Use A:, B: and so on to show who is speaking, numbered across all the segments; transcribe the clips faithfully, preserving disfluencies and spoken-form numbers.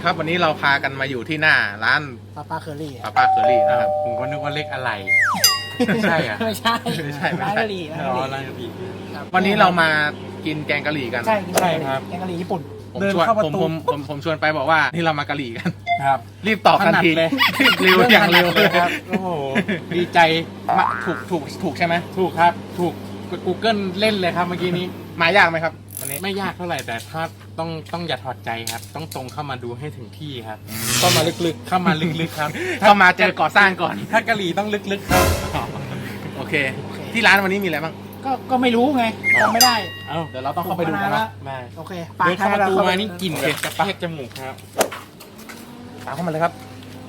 A: นี่ครับวันนี้เราพากันมาอยู่ที่หน้าร้าน
B: ป้าป้าเคอรี่
A: ป้าป้าเคอรี่นะครับ
C: ผมก็นึกว่าเล็กอะไรใช่อ่ะ
B: ไม่ใช่
A: ไม่ใช่ไม่
B: ร้าน
A: ใช่
B: กะหรี่ร้านกะหรี่ร้านกะหรี่
A: วันนี้เรามากินแกงกะหรี่กัน
B: ใช่ใช่ครับแกงกะหรี่ญี่ปุ่น
A: ผมชวนผมผมผมผมชวนไปบอกว่านี่เรามากะหรี่กัน
C: ครับ
A: รีบตอบทันที
C: เลย
A: เร็วอย่างเร็วเลย
C: ครับโอ้โหดีใจ
A: ถูกถูกถูกใช่ไหม
C: ถูกครับถูก Google เล่นเลยครับเมื่อกี้นี้
A: มายากไหมครับวันนี้
C: ไม่ยากเท่าไหร่แต่ถ้าต้องต้องอย่าถอดใจครับต้องตรงเข้ามาดูให้ถึงที่ครับเข้ามาลึกๆเข้ามาลึกๆครับ
A: เข้ามาเจอก่อสร้างก่อน
C: ถ้ากะหรี่ต้องลึกๆครับ
A: โอเคที่ร้านวันนี้มีอะไรบ้าง
B: ก็ก็ไม่รู้ไงจำไม่ได้
A: เอ้าเดี๋ยวเราต้องเข้าไปดูกันนะ
C: ได้
B: โอเค
C: เดินเข้าประตูมานี่กลิ่นเผ็ดกระแทกจมูกครับ
A: ตามเข้ามาเลยครับ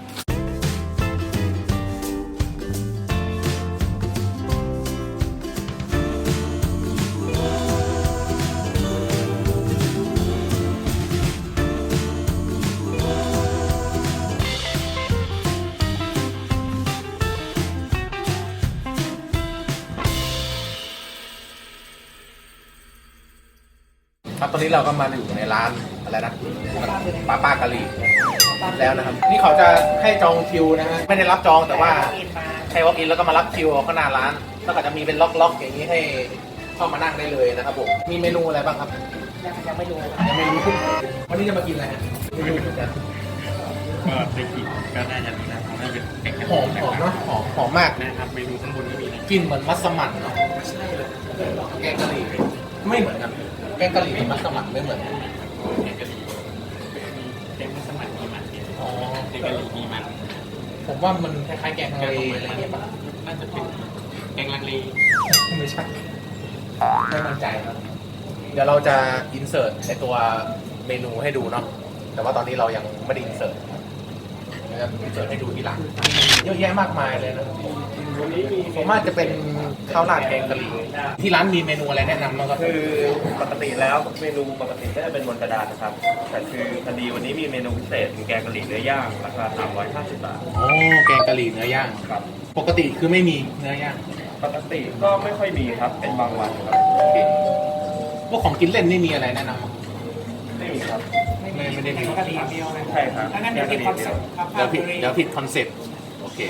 A: ครับตอนนี้เราก็มาอยู่ในร้านอะไรนะป้าป้ากะหรี่แล้วนะครับนี่เขาจะให้จองคิวนะฮะไม่ได้รับจองแต่ว่าใช้ walk in แล้วก็มารับคิวข้างหน้าร้านแล้วก็จะมีเป็นล็อกๆอย่างนี้ให้เข้ามานั่งได้เลยนะครับผมมีเมนูอะไรบ้างครับ
B: ยังยังไม่รู้
A: ยังไม่รู้วันนี้จะมากินอะไรไม่รู้เหมือนกัน
C: ก็ไปกินก็น่าจะนะน่าจะเป็น
A: หอมหอมเนาะหอมหอมมาก
C: นะครับเมนูข้างบนก็มีนะ
A: กินเหมือนมัสมั่นเนาะใช่เลยแกงกะหรี่ไม่เหมือนกันแกงกะหรี่มัสมั่นไม่เหมือนกัน
C: แกงกะหรี่แกงมัสมั่นมีมัน
A: อ๋อ
C: แกงกะหรี่มีมัน
A: ผมว่ามันคล้ายๆแกงทะเลอะไรเงี้ยป่ะ
C: น่าจะเป็นแกงลังเล
A: ไม่ใช่ไม่มั่นใจครับเดี๋ยวเราจะอินเสิร์ตในตัวเมนูให้ดูเนาะแต่ว่าตอนนี้เรายังไม่ได้อินเสิร์ตเราจะอินเสิร์ตให้ดูทีหลังเยอะแยะมากมายเลยนะผมว่าจะเป็นข้าวราดแกงกะหรี่ที่ร้านมีเมนูอะไรแนะนำบ้างครับ
D: คือปกติแล้วเมนูปกติก็จะเป็นบนกระดานนะครับแต่คือพอดีวันนี้มีเมนูพิเศษเป็นแกงกะหรี่เนื้อย่างราคาสามร้อยห้าสิบบาท
A: โอ้แกงกะหรี่เนื้อย่าง
D: ครับ
A: ปกติคือไม่มีเนื้อย่าง
D: ปกติก็ไม่ค่อยมีครับเป็นบางวันครับ
A: พวกของกินเล่นนี่มีอะไรแนะนำมั้ง
D: ไม่มีครับ
A: ไม่ไม่ได้มี
B: กะหรี่เดียว
D: ใช่ครับ
B: งั้นเดี๋ยวผิดคอนเซ็ปต์
A: เดี๋ยวผิดเดี๋ยวผิดคอนเซ็ปต์โอเค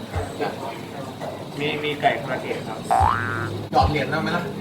D: มีมีไก่คาราเกะครับ
A: หยอดเหรียญได้ไหมล่ะ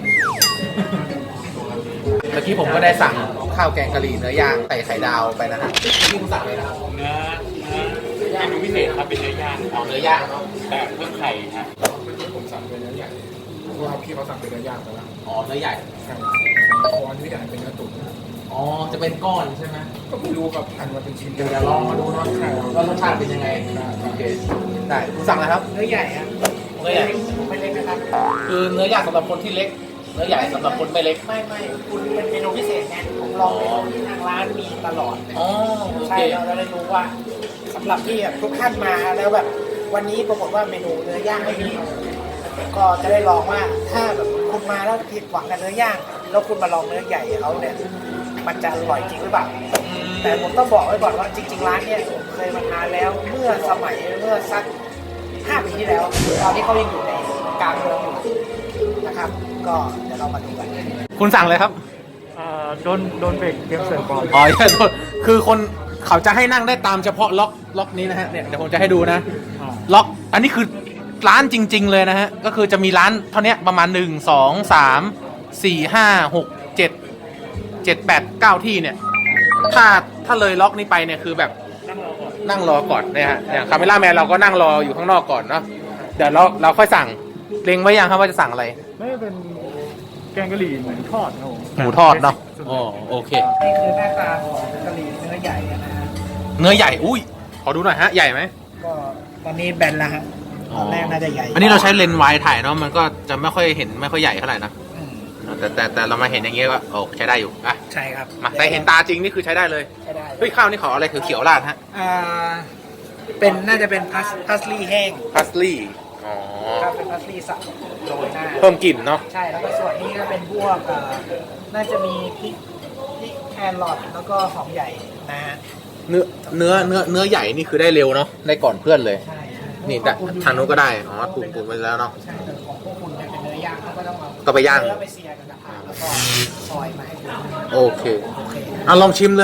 A: เมื่อกี้ผมก็ได้สั่งข้าวแกงกะหรี่เนื้อย่างไก่ไข่ดาวไปนะฮะที่คุณสั่งเลยนะครับ
C: เนื้อเมนูพิเศษครับเป็นเนื้อย่าง
A: เอาเนื้อย่างเนาะ
C: แต่เพิ่มไข่ครับ
E: ผมสั่งเป็นเนื้อใหญ่เพราะว่าพี่เขาสั่งเป็นเนื้อย่างไปแล้ว
A: อ๋อเนื้อใหญ่
E: ใช่คอเนื้อใหญ่เป็นเนื้อตุ๋น
A: อ๋อจะเป็นก้อนใช่ไหม
E: ก็ไม่รู้ครับหั่นมาเป็นชิ้น
A: เดี๋ยวลองมาดูเนาะว่ารสชาติเป็นยังไงโอเคได้คุณสั่งอะไรครับ
B: เนื้อใหญ่ครับ
A: เนื้อใหญ่
B: ไม่เล็กนะครับ
A: คือเนื้อย่างสำหรับคนที่เล็กเนื้อใหญ่สำหรับคนไม่เล็ก
B: ไม่ไม่คุณเป็นเมนูพิเศษไงผมลองที่ทางร้านมีตลอด
A: อ๋อโอเค
B: ใช่เราจะได้รู้ว่าสำหรับที่ทุกท่านมาแล้วแบบวันนี้ปรากฏว่าเมนูเนื้อย่างไม่มีก็จะได้ลองว่าถ้าแบบคุณมาแล้วผิดหวังกับเนื้อย่างแล้วคุณมาลองเนื้อใหญ่เขาเนี่ยมันจะอร่อยจริงหรือเปล่าแต่ผมต้องบอกไว้ก่อนว่าจริงๆร้านเนี่ยผมเคยมาทานแล้วเมื่อสมัยเมื่อสักห้าปีที่แล้วตอนที่เขายังอยู่ในกลางเมืองอยู่นะครับก็เดี๋ยวเรามาดูกัน
A: คุณสั่งเลยครับ
E: โดนโดนเบรกเกมเสิร์ฟก่อน
A: อ๋อโทษคือคนเขาจะให้นั่งได้ตามเฉพาะล็อกล็อกนี้นะฮะเนี่ยเดี๋ยวผมจะให้ดูนะล็อกอันนี้คือร้านจริงๆเลยนะฮะก็คือจะมีร้านเท่านี้ประมาณหนึ่งสองสามสี่ห้าหกเจ็ดเจ็ดแปดเก้าที่เนี่ยถ้าถ้าเลยล็อกนี้ไปเนี่ยคือแบบนั่งรอก่อนเนี่ยฮะอย่างคาเมล่าแมนเราก็นั่งรออยู่ข้างนอกก่อนเนาะเดี๋ยวเราเราค่อยสั่งเล็งไว้ยังครับว่าจะสั่งอะไร
E: ไม่เป็นแกงกะหรี่หมูทอดครับ
A: หมูทอดเนาะอ๋อโอเค
B: นี่คือหน้าตาของกะหรี่เนื้อใหญ่นะฮะ
A: เนื้อใหญ่อุ้ยขอดูหน่อยฮะใหญ่ไหม
B: ก็ตอนนี้แบนแล้วฮะตอนแรกน่าจะใหญ่
A: อันนี้เราใช้เลนส์วายถ่ายเนาะมันก็จะไม่ค่อยเห็นไม่ค่อยใหญ่เท่าไหร่นะแต่แต่แต่เรามาเห็นอย่างเงี้ยก็โอ้ใช้ได้อยู่อ่ะ
B: ใช่ครับ
A: มาแต่เห็นตาจริงนี่คือใช้ได้เลย
B: ใช้ได้
A: เฮ้ยข้าวนี่ขออะไรเขียวๆราดฮะ
B: อ่าเป็นน่าจะเป็นพัสพัสลีแห้ง
A: พัสลีอ๋อ
B: ครับเป็นพัสลีสับโรยหน้า
A: เพิ่มกลิ่นเนาะ
B: ใช่แล้วก็ส่วนนี้ก็เป็นพวกน่าจะมีพริกพริกแครอทแล้วก็หอมใหญ่นะฮะ
A: เนื้อเนื้อเนื้อเนื้อใหญ่นี่คือได้เร็วเนาะได้ก่อนเพื่อนเลย
B: ใช่
A: นี่แต่ทางนู้นก็ได้อ๋อปรุงปรุงไปแล้วเนาะ
B: ใช่แต่ของพวกคุณเป็นเนื้อย่างเขาก็ต้องเอา
A: ก็ไปย่าง
B: แล้วไปเสียกันนะครับแล้วก็ซอยมาให้คุณ
A: โอเคอ่ะลองชิมเลยฮะ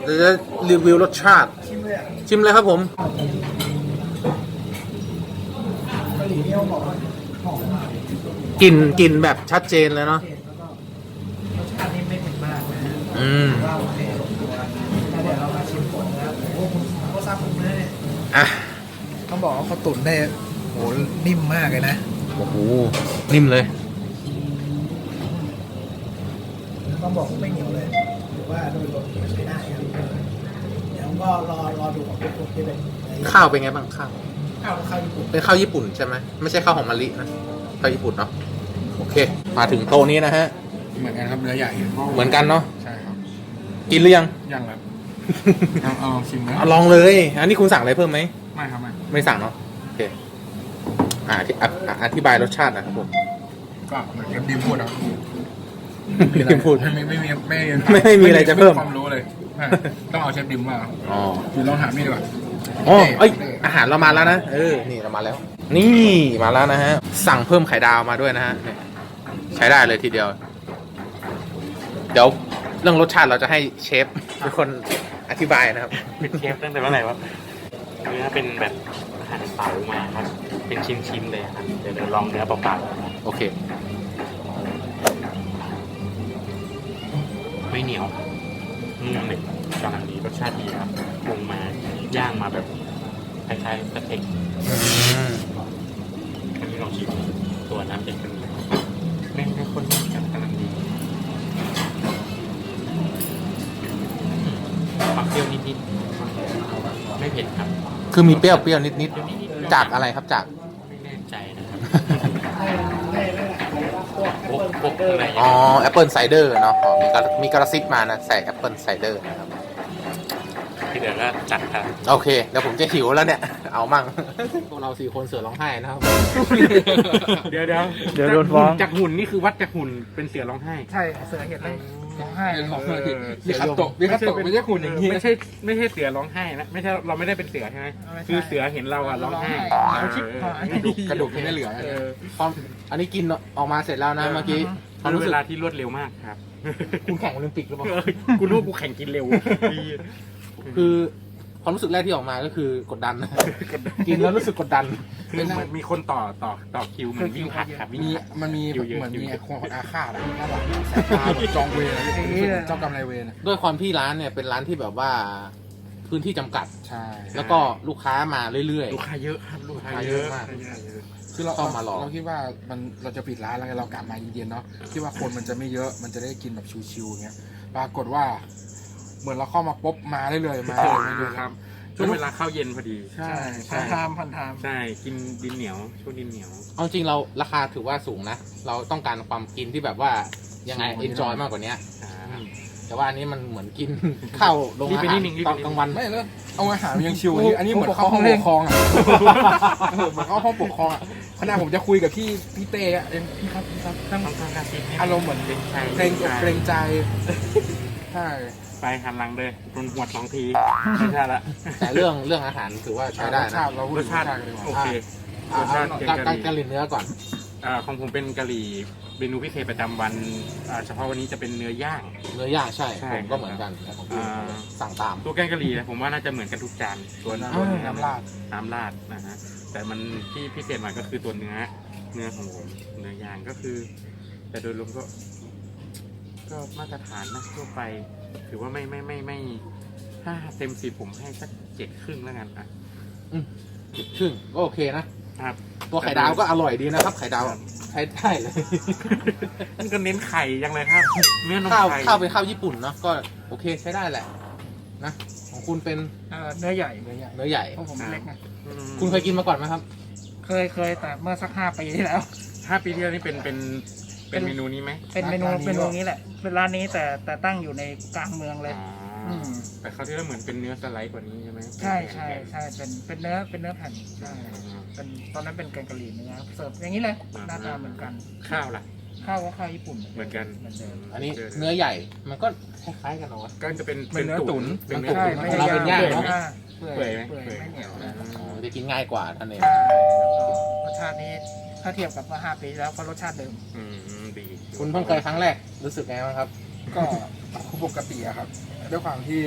A: เดี๋ยวจะรีวิวรสชาติ
B: ชิมเลยอ่ะ
A: ชิมเลยครับผม
B: กะหรี่เนี่ยเขาบอกว่าหอมมาก
A: กลิ่นกลิ่นแบบชัดเจนเลยเนาะ
B: เผ็ดแล้วก็รสชาตินี่ไม่เผ็ดมากนะฮะ
A: อืม
B: ว่าโอเคแล้วเดี๋ยวเรามาชิมผลนะครับโอ้โหผมเขาซับผมเลยเนี่ย
A: อ่ะ
B: ต้องบอกว่าเขาตุ๋นได้โหนิ่มมากเลยนะ
A: โอ้โห นิ่มเลย
B: ต้องบอกว่าไม่เหนียวเลยหรือว่าโดยรวมใช้ได้ครับเดี๋ยวก็รอรอดูของทุกคนที่เป็น
A: ข้าวเป็นไงบ้างข้าว
B: ข้าวข้าวญี่ปุ่น
A: เป็นข้าวญี่ปุ่นใช่ไหม ไม่ใช่ข้าวหอมมะลินะ ข้าวญี่ปุ่นเนาะ โอเค มาถึงโต๊ะนี้นะฮะ
E: เหมือนกันครับเนื้อใหญ่
A: เหมือนกันเนาะ
E: ใช่ครับ
A: กินหรือยัง
E: ยังครับเอาเอาลองชิมนะ
A: เอาลองเลย อันนี้คุณสั่งอะไรเพิ่มไหม
E: ไม่ครับไม่
A: ไม่สั่งเนาะ โอเค อ่าอธิอ่ะอ่ะอธิบายรสชาตินะครับผม
E: ก็เหมือนกับดิมพูดครับ
A: ดิมพูด
E: ไม่ไม่ไม่มีไม่
A: ไม่ไม่มีอะไรจะเพิ่ม
E: ความรู้เลยใช่ต้องเอาเชฟดิมมา
A: อ๋อ
E: คือลองถามนี่ดีกว่า
A: อ๋อเอ้ย อาหารเรามาแล้วนะ เออ นี่เรามาแล้ว นี่มาแล้วนะฮะ สั่งเพิ่มไข่ดาวมาด้วยนะฮะเนี่ยใช้ได้เลยทีเดียว เดี๋ยวเรื่องรสชาติเราจะให้เชฟเป็นคนอธิบายนะครับ
C: เป็นเชฟตั้งแต่เมื่อไหร่วะเนื้อเป็นแบบหั่นเต๋ามาครับ เป็นชิ้นๆเลยครับ เดี๋ยวเดี๋ยวลองเนื้อเปล่าๆ
A: โอเค
C: ไม่เหนียวนุ่มเลยกำลังดีรสชาติดีครับปรุงมาย่างมาแบบคล้ายๆสเต็ก
A: อืม
C: อันนี้ลองชิมตัวน้ำเป็นกันเลยไม่ไม่ข้นมากครับกำลังดีความเปรี้ยวนิดๆไม่เผ็ดครับ
A: คือมีเปรี้ยวเปรี้ยวนิด
C: เปรี้ยวนิด
A: ๆ
C: ๆ
A: จากอะไรครับจาก
C: ไม่แน่ใจนะครับ
B: ให้ให้ให้พวก
C: พวกพวกอะไร
A: อ๋อแอปเปิลไซเดอร์เนาะอ๋อมีกระมีกระซิบมานะ ใส่แอปเปิลไซเดอร์นะครับ
C: ที่เดี๋ยวก็จัดครับ
A: โอเค เดี๋ยวผมจะหิวแล้วเนี่ย เอามั่ง พวกเราสี่คนเสือร้องไห้นะครับ
C: เดี๋ยวเดี๋ยว
A: เดี๋ยวโดนฟ้อง
C: จากหุ่นนี่คือวัดจากหุ่นเป็นเสือร้องไห้
B: ใช่เสือเห็นเลยร้องไห้
E: มีคัตโตะมีคัตโตะไม่ใช่คุณอย่างนี้
C: ไม่ใช่ไม่ใช่เสือร้องไห้นะไม่ใช่เราไม่ได้เป็นเสือใช่ไหมคือเสือเห็นเราอะร้องไห้
B: เขาชิบหาย
E: กระดูกที่ไม่เหลือ
C: เออ
A: ความอันนี้กินออกมาเสร็จแล้วนะเมื่อกี้ความ
C: คือ
A: รู้
C: เว
A: สึก
C: ลาที่รวดเร็วมากครับ
A: คุณแข่งโอลิมปิกหรือเปล่า
C: เออกูรู้ว่ากูแข่งกินเร็ว
A: คือความรู้สึกแรกที่ออกมาก็คือกดดันนะกินแล้วรู้สึกกดดัน
C: คือเหมือนมีคนต่อต่อต่อคิวเหมือนวิ่งผลัดครับวิ่ง
E: มี
C: ผลัด
E: มันมี
C: อยู่เยอะ
E: เหมือน
C: อยู่
E: มี
C: เยอะ
E: คนอาฆาตอะด้านหลังสายตาแบบจองเวรอะเจ้ากรรมนายเวรอะ
A: ด้วยความที่ร้านเนี่ยเป็นร้านที่แบบว่าพื้นที่จำกัด
E: ใช่
A: แล้วก็ลูกค้ามาเรื่อย
C: ลูกค้าเยอะครับลูกค้า
A: ลูกค้า
C: เย
A: เย
C: อะ
A: อะมาก
E: คือเรา
A: ต้องมารอ
E: เราคิดว่ามันเราจะปิดร้านแล้วไงเรากลับมาเย็นๆเนาะคิดว่าคนมันจะไม่เยอะมันจะได้กินแบบชิวๆอย่างเงี้ยปรากฏว่า เหมือนเราเข้ามาปุ๊บมาได้เลยมาเลยมาเลย
C: ครับช่วงเวลาเข้าเย็นพอดี
E: ใช่
B: พั
E: ใช่
B: นทามพันทาม
C: ใช่กินดินเหนียวช่วงดินเหนียว
A: ๆ เอาจริงเราราคาถือว่าสูงนะ เราต้องการความกินที่แบบว่ายังไงเอนจอยมากกว่านี้
C: อ่า
A: แต่ว่าอันนี้มันเหมือนกิน ข้าวโรง
C: รีบ
A: อา
C: ไป
A: หา
C: นิ
A: ร
C: ดนึงรีบ
A: ต
C: ไป
A: อน
C: นิดนึง
A: กลางวัน
E: ไม่แล้วเอาอาหารยังชิวอันนี้อันนี้เหมือนเข้าห้องปกครองอ่ะเออเหมือนเข้าห้องปกครองอ่ะขณะผมจะคุยกับพี่พี่เต้อะเอ็มพี่ครับพี่ครับ
C: ต้องต้องการซิป
E: อารมณ์เหมือน
C: เป็นใจ
E: เกรงอกเกรงใจใช่
C: ไปหันหลังเลยโดนหัวดสองทีไม่ใช่ละ
A: แต่เรื่องเรื่องอาหารถือว่าใช้ได้
E: รสชา
A: นะ
E: ติเราพูด
C: ร
E: ถึ
C: ส
E: ง
C: ชาติ
E: กันดีกว่า
C: โอเค
A: อ่าร
C: สชาติ
A: การ
C: แกง
A: การ
C: กะหรี่
A: การหลีเนื้อก่อน
C: อ่าของผมเป็นกะหรี่เมนูพิเศษประจำวันอ่าเฉพาะวันนี้จะเป็นเนื้อย่าง
A: เนื้อย่างใช่
C: ใช่
A: ผมก็เหมือนกันแต่ของพี่
C: อ่า
A: สั่งตาม
C: ตัวแกงกะหรี่นะผมว่าน่าจะเหมือนกันทุกจานตัว
E: น้
C: ตัว
E: ำน้ำราด
C: น้ำราดนะฮะแต่มันที่พิเศษหน่อยก็คือตัวเนื้อเนื้อของผมเนื้อย่างก็คือ แต่โดยรวมก็ ก็มาตรฐานนะทั่วไป ถือว่าไม่ไม่ไม่ไม่ถ้าเต็มสิบผมให้สักเจ็ดครึ่งแล้วกันอ่ะ
A: ครึ่งก็โอเคนะ
C: ครับ
A: ตัวไข่ดาวก็อร่อยดีนะครับ ไข่ดาวใช้ได้เลย
C: นี่ก็เน้นไข่ยังเลยครับเนื้อนม
A: ข้าว
C: ไข่
A: ข้าวเป็นข้าวญี่ปุ่นเนาะก็โอเคใช้ได้แหละนะของคุณเป็น
B: เอ่อเนื้อใหญ่
A: เนื้อใหญ่เนื้อใหญ่
B: เพราะผมเล็กไง
C: อืม
A: คุณเคยกินมาก่อนไหมครับ
B: เคยเคยแต่เมื่อสักห้าปีที่แล้ว
C: ห้าปีที่แล้วนี่เป็นเป็นเป็นเมนูนี้ไหม
B: เป็นเมนูเมนูนี้แหละ เป็นร้านนี้แต่แต่ตั้งอยู่ในกลางเมืองเลย
C: อ๋ออ
B: ม
C: แต่เขาวที่แล้วเหมือนเป็นเนื้อสไลด์กว่านี้ใช่ไหม
B: ใช่ใช่ใช่เป็นเป็นเนื้อเป็นเนื้อแผ่นใช่เป็นตอนนั้นเป็นแกงกะหรี่เนื้อเสิร์ฟอย่างนี้เลยหน้าตาเหมือนกัน
C: ข้าวล่ะ
B: ข้าวก็ข้าวญี่ปุ่น
C: เหมือนกัน
B: เหมือนเดิม
A: อันนี้เนื้อใหญ่มันก็คล้ายๆกันเนาะ
C: ก็จะเป็น
E: เป็นเนื้อตุ๋น
C: เป็นเนื้อ
B: ใช่
C: ตุ๋น
B: ไม่
A: เรา
B: ได้
A: เป็นย่าง
B: เปื่อย
A: เนอะ
B: มาก
C: เปื่อยไหม
B: เปื่อย
C: เปื่อย
B: ไม่เหนียวนะ
A: อ๋อจะกินง่ายกว่าท่านเอง
B: ใช่แล้วก็รสชาตินี้ถ้าเทียบกับเมื่อห้าปีที่แล้วก็รสชาติเดิม
C: อืมดี
A: คุณเพิ่งเคยครั้งแรกรู้สึกไงบ้างครับ
E: ก็ปกติอะครับด้วยความที่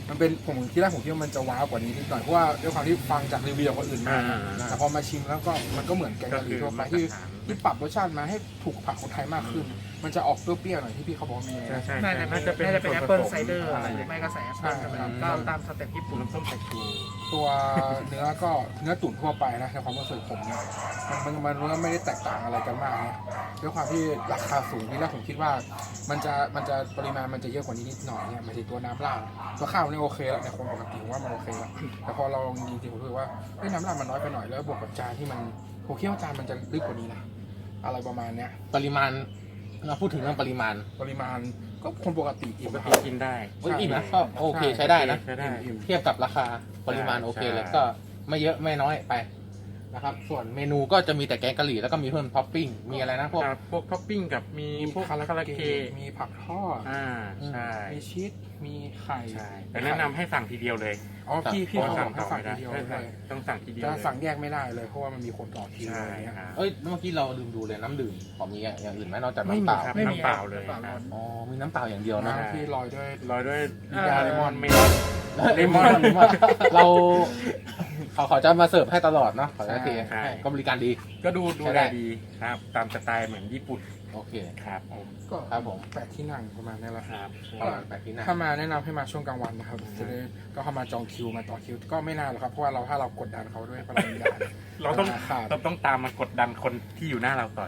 E: มันเป็นผมที่แรกผมคิดว่ามันจะว้าวกว่านี้นิดหน่อยเพราะว่าด้วยความที่ฟังจากรีวิวของคนอื่นมา
C: อ่า
E: แต่พอมาชิมแล้วก็มันก็เหมือนแกงกะหรี่ทั่วไปที่ที่ปรับรสชาติมาให้ถูกปากคนไทยมากขึ้น มันจะออกเปรี้ยวๆหน่อยที่พี่เขาบอกมี
C: ใช่ใช่
B: น่าจะ
C: น่าจะเป็น
B: น่าจะเป็นแอปเปิลไซเดอร์
C: อะไร
B: หรือไม่ก็ใส่แอปเปิลนะครับก็ตามสเต็ปญี่ปุ่น
C: น้ำส้มสายชู
E: ตัวเนื้อก็เนื้อตุ๋นทั่วไปนะในความรู้สึกผมเนี่ยมันมันมันก็ไม่ได้แตกต่างอะไรกันมากนะด้วยความที่ราคาสูงที่แรกผมคิดว่า มันจะมันจะปริมาณมันจะเยอะกว่านี้นิดหน่อยเนี่ยหมายถึงตัวน้ำราดตัวข้าวนี่โอเคแล้วในคนปกติผมว่ามันโอเคแล้วแต่พอเราลองจริงๆผมรู้สึกว่าเฮ้ยน้ำราดมันน้อยไปหน่อยแล้วบวกกับจานที่มันผมคิดว่าจานมันจะลึกกว่านี้นะอะไรประมาณเนี้ย
A: ปริมาณเราพูดถึงเรื่องปริมาณ
E: ปริมาณก็คนปกติอิ่
C: ป
E: ม
C: ก
E: ค
C: ติ
E: รับ
C: กินได้
A: เอ้ยอิ่มนะก็โอเคใช้ได้นะ
C: ใช้ได้
E: อิ่ม
A: เทียบกับราคาปริมาณโอเคเลย
C: ใช่
A: ก็ไม่เยอะไม่น้อยไปนะครับ ส่วนเมนูก็จะมีแต่แกงกะหรี่แล้วก็มีเพิ่มท็อปปิ้งมีอะไรนะพวก
C: ครับพวกท็อปปิ้งกับมี
E: มี
C: พวก
E: คารา
C: คารา
E: เก
C: เกะ
E: ะมีผักทอด
C: อ่าใช่
E: มีชีสมีไข่
C: ใช่แต่แนะนำให้สั่งทีเดียวเลย
E: อ๋อพี่พี่
C: เพ
E: เขา
C: ราะ
E: บอกให้สั่งทีเดียว
C: ไม่
E: เล
C: ได้
E: ย
C: ต้องสั่งทีเดียว
E: จะ
C: เลย
E: สั่งแยกไม่ได้เลยเพราะว่ามันมีคนต่อคิว
C: ใช่
E: อะไรเงี้ย
C: ครับ
A: เอ้ยเมื่อกี้เราลืมดูเลยน้ำดื่มของมีอย่างอื่นไหมนอกจาก
C: ไม่
A: น้ำ
C: มี
A: เปล่า
C: ครับ
B: ไม่มี
C: น้ำเปล่าเลย
B: น้ำเปล่า
C: ครับ
A: อ๋อมีน้ำเปล่าอย่างเดียวนะ
C: ใช่
E: น้ำที่ลอยด้วย
C: โรยด้วย
E: มียาเลมอน
C: เมลอน เลมอน
A: เราเขาเขาจะมาเสิร์ฟให้ตลอดเนาะขอโทษที
C: ใช่
A: ให้ก็บริการดี
C: ก็ดูดู
A: ใช้
C: แล
A: ได้
C: ดีครับ ตามสไตล์เหมือนญี่ปุ่น
A: โอเค
C: ครับผม
E: ก็
A: ครับผม
E: แปดที่นั่งประมาณนี้แหละ
C: ครับ
A: ประมาณแปดที่นั่ง
E: ถ้ามาแนะนำให้มาช่วงกลางวันนะครับจะได้ก็เข้ามาจองคิวมาต่อคิว ก็ไม่นานหรอกครับเพราะว่าเราถ้าเรากดดันเขาด้วยพลังงาน
C: เราต้อง
E: ขาด
C: เราต้องตามมากดดันคนที่อยู่หน้าเราต่อย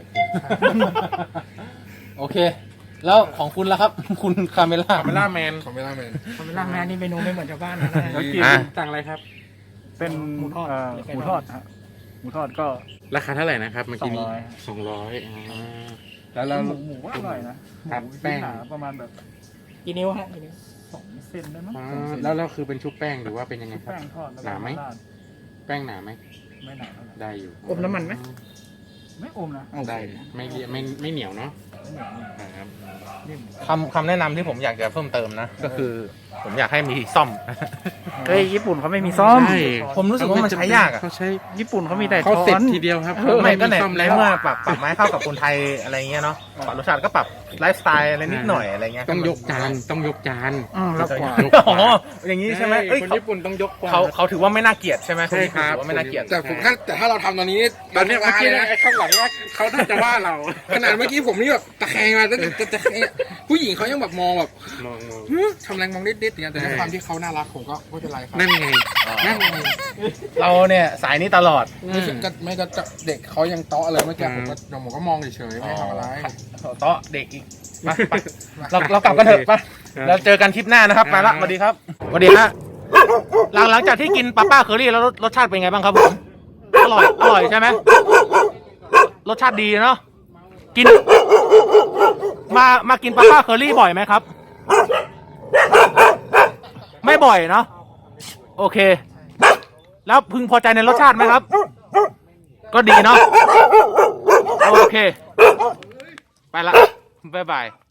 A: โอเค แล้วของคุณล่ะครับ คุณคาเมล่า
C: คาเมล่าแมน
E: ของไม่ได้เมน
B: คาเมล่าแมนนี่เมนูไม่เหมือนชาวบ้านนะ
C: แล้วกิน
A: อ่ะ
C: สั่งอะไรครับ
F: เป็น
B: หมูทอด
F: เอ่อ
B: หรือไก่
F: หมู
B: ท
F: ท
B: อ
F: อ
B: ด
F: ดฮะหมูทอดก็
C: ราคาเท่าไหร่นะครับเมื่อกี้นี้
F: สองร้อย
C: สองร้อยอ่า
E: แล้วเรา
F: หมูหมูก็อร่อยนะครับ หมู
C: แป้ง
F: หนาประมาณแบบ
B: กี่นิ้วฮะกี่นิ้ว
F: สองเซนได้มั้ง
C: อ่า
F: สองเซน
C: แล้วเราคือเป็นชุบแป้งหรือว่าเป็นยังไงครับ
F: แป้งทอดแล้ว
C: หนาไหม
F: ราด
C: แป้งหนาไหม
F: ไม่หนาเท่าไหร่
C: ได้อยู่
B: อมน้ำมันไหม
F: ไม่อมนะ
C: ได้ไม่เลี่ยไม่ไม่เหนียวเนาะ
F: ไม่เหนียวไม่
C: ครับ
F: นิ่ม
A: คำคำแนะนำที่ผมอยากจะเพิ่มเติมนะ ก็คือผมอยากให้มีซ่อม
B: เฮ้ยญี่ปุ่นเขาไม่มีซ่อม
C: ใช่
A: ผมรู้สึกว่ามันใช้ยากอะ
C: เขาใช้
B: ญี่ปุ่นเขามีแต่
C: เขา
B: ช้อ
C: เสร็จ
B: น
C: ทีเดียวครับ
A: ไม่ก็ใน
C: ซ่อม
A: ใน
C: แล้ว
A: เมื่อปรับปรับไม้เข้ากับคนไทยอะไรเงี้ยเนาะปรับรสชาติก็ปรับไลฟ์สไตล์อะไรนิดหน่อยอะไรเงี้ย
C: ต้องยกจานต้องยกจาน
B: อืมแล้วกว่า
C: ยก
A: อ๋ออย่างนี้ใช่ไหมเอ้ย
C: คน
A: เขา
C: ญี่ปุ่นต้องยกกว่า
A: เขาเขาถือว่าไม่น่าเกลียดใช่ไหม
C: ใช่ครับ
A: นญี่ปุ่นถือว่าไม่น่าเกลียด
E: แต่ผมถ้าแต่ถ้าเราทำตอนนี้
C: ตอนเนี้ยเมื่อกี้
E: นะ
C: ไอ้ข้างหลังว่าเขาน่าจะว่าเรา
E: ขนาดเมื่อกี้ผมนี่แบบตะแคงมาแต่แต่แต่ผู้หญิงเขายังแบบมองแบบ
C: มองมอง
E: ฮึทำแรงมองนิดๆอย่างเงี้ยแต่ด้วยความที่เขาน่ารักผมก็ไม่เป็นไรครับ
C: นั่นไง
E: นั่นไง
A: เราเนี่ยสายนี้ตลอด
E: ไม่ใช่ก็ไม่ก็จะเด็กเขายังเตาะเลยเมื่อกี้ผมก็ผมก็มองเฉยๆไม่ทำอะไร
A: โต๊ะเด็กอีกมาไปเราเรากลับกันเถอะไปเราเจอกันคลิปหน้านะครับไปละสวัสดีครับสวัสดีฮะหลังหลังจากที่กินปาป้าเคอรี่แล้วรสรสชาติเป็นไงบ้างครับผมอร่อยอร่อยใช่ไหมรสชาติดีเนาะกิน มามากินปาป้าเคอรี่บ่อยไหมครับ ไม่บ่อยเนาะโอเค แล้วพึงพอใจในรสชาติไหมครับ ก็ดีเนาะโอเค ไปละบ๊ายบาย